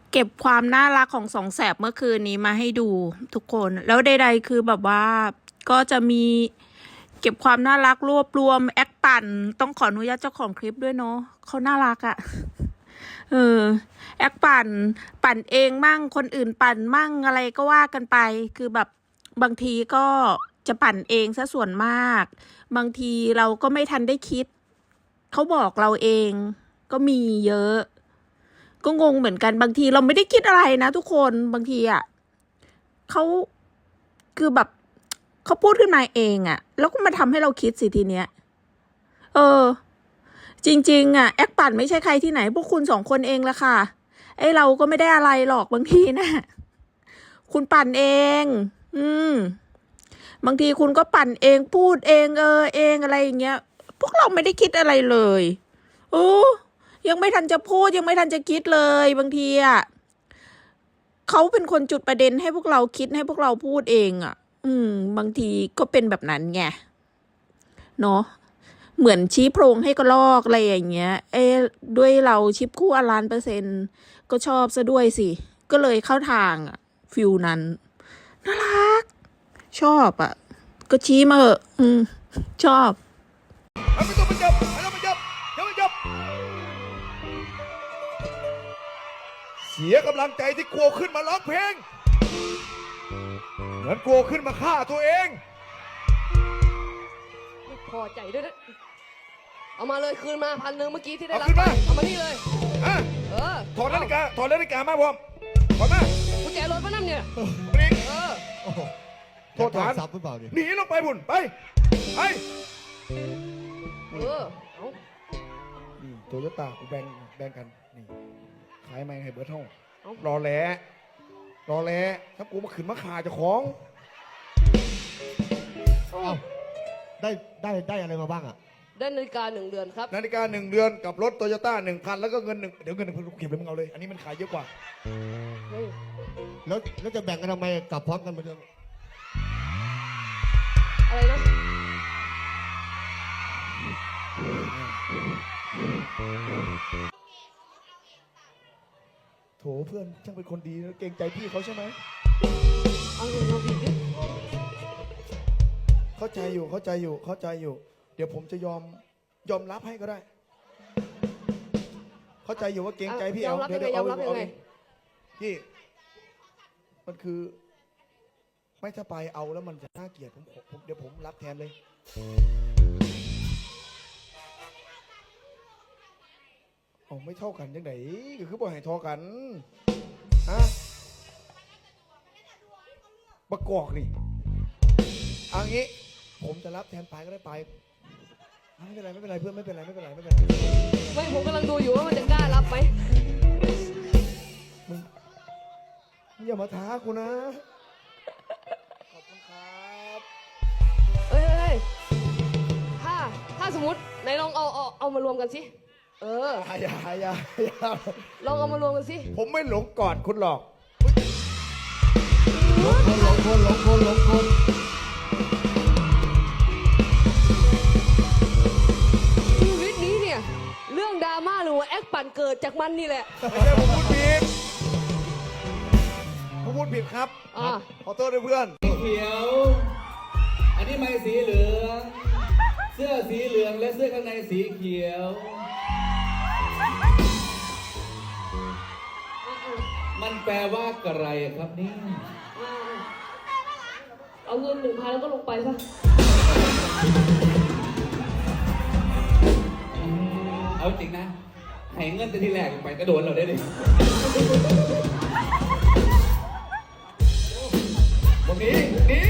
เก็บความน่ารักของสองแสบเมื่อคืนนี้มาให้ดูทุกคนแล้วใดๆคือแบบว่าก็จะมีเก็บความน่ารักรวบรวมแอคปั่นต้องขออนุญาตเจ้าของคลิปด้วยเนาะเขาน่ารักอะแอคปั่นเองมั่งคนอื่นปั่นมั่งอะไรก็ว่ากันไปคือแบบบางทีก็จะปั่นเองซะส่วนมากบางทีเราก็ไม่ทันได้คิดเขาบอกเราเองก็มีเยอะก็งงเหมือนกันบางทีเราไม่ได้คิดอะไรนะทุกคนบางทีอ่ะเขาคือแบบเขาพูดขึ้นมาเองอ่ะแล้วก็มาทำให้เราคิดสิทีเนี้ยจริงๆอ่ะแอคปั่นไม่ใช่ใครที่ไหนพวกคุณสองคนเองละค่ะไอเราก็ไม่ได้อะไรหรอกบางทีนะคุณปั่นเองบางทีคุณก็ปั่นเองพูดเองเองอะไรอย่างเงี้ยพวกเราไม่ได้คิดอะไรเลยยังไม่ทันจะพูดยังไม่ทันจะคิดเลยบางทีอ่ะเขาเป็นคนจุดประเด็นให้พวกเราคิดให้พวกเราพูดเองอ่ะบางทีก็เป็นแบบนั้นไงเนาะเหมือนชี้โพรงให้กระลอกอะไรอย่างเงี้ยด้วยเราชิปคู่1,000,000%ก็ชอบซะด้วยสิก็เลยเข้าทางอ่ะฟิลนั้นน่ารักชอบอ่ะก็ชี้มาเถอะชอบไม่ต้องไปจับไม่ต้องไปจับอย่าไปจับเสียกำลังใจที่กลัวขึ้นมาร้องเพลงเหมือนกลัวขึ้นมาฆ่าตัวเองไม่พอใจด้วยนะเอามาเลยคืนมา1,000เมื่อกี้ที่ได้รับไปเอามานี่เลยถอดนาฬิกามาพร้อมถอดมากุญแจรถมานั่นเนี่ยโทษฐานซับหรือเปล่าหนีลงไปบุญไปเอานี่โตโยต้ากูแบ่งกันนี่ขายไม่ให้เบิร์ดห้องรอแหละถ้ากูมาขืนมาขาจะของได้อะไรมาบ้างอ่ะได้นาฬิกา1 เดือนครับนาฬิกา1 เดือนกับรถโตโยต้า1,000แล้วก็เงินเดี๋ยวเงิน1,000เก็บเลยมึงเอาเลยอันนี้มันขายเยอะกว่าแล้วจะแบ่งกันทำไมกลับพร้อมกันมาเดิมอะไรนะโถเพื่อนช่างเป็นคนดีนะเกรงใจพี่เขาใช่ไหมเอาเงินเราผิดดิเข้าใจอยู่เดี๋ยวผมจะยอมรับให้ก็ได้เข้าใจอยู่ว่าเกรงใจพี่เอาเดี๋ยวเอาพี่มันคือไม่ถ้าไปเอาแล้วมันจะน่าเกลียดเดี๋ยวผมรับแทนเลยไม่เท่ากันยังไงก็คือบ่ให้ทอกันฮะประกอบนี่เอางี้ผมจะรับแทนไปก็ได้ไปไม่เป็นไรเพื่อนไม่เป็นไรไม่ผมกำลังดูอยู่ว่ามันจะกล้ารับไหมมึงอย่ามาท้ากูนะขอบคุณครับถ้าสมมติไหนลองเอามารวมกันสิอย่าลองเอามารวมกันสิผมไม่หลงกอดคุณหรอกหลงคนชีวิตนี้เนี่ยเรื่องดราม่าหรือว่าแอคปั่นเกิดจากมันนี่แหละไม่ใช่ผมพูดผิดครับขอโทษด้วยเพื่อนสีเขียวอันนี้ไม้สีเหลืองเสื้อสีเหลืองและเสื้อข้างในสีเขียวมันแปลว่าอะไรครับนี่เอาเงิน1,000แล้วก็ลงไปซะเอาจริงนะให้เงินแต่ทีแรกไปกระโดดเราได้เลยวันนี้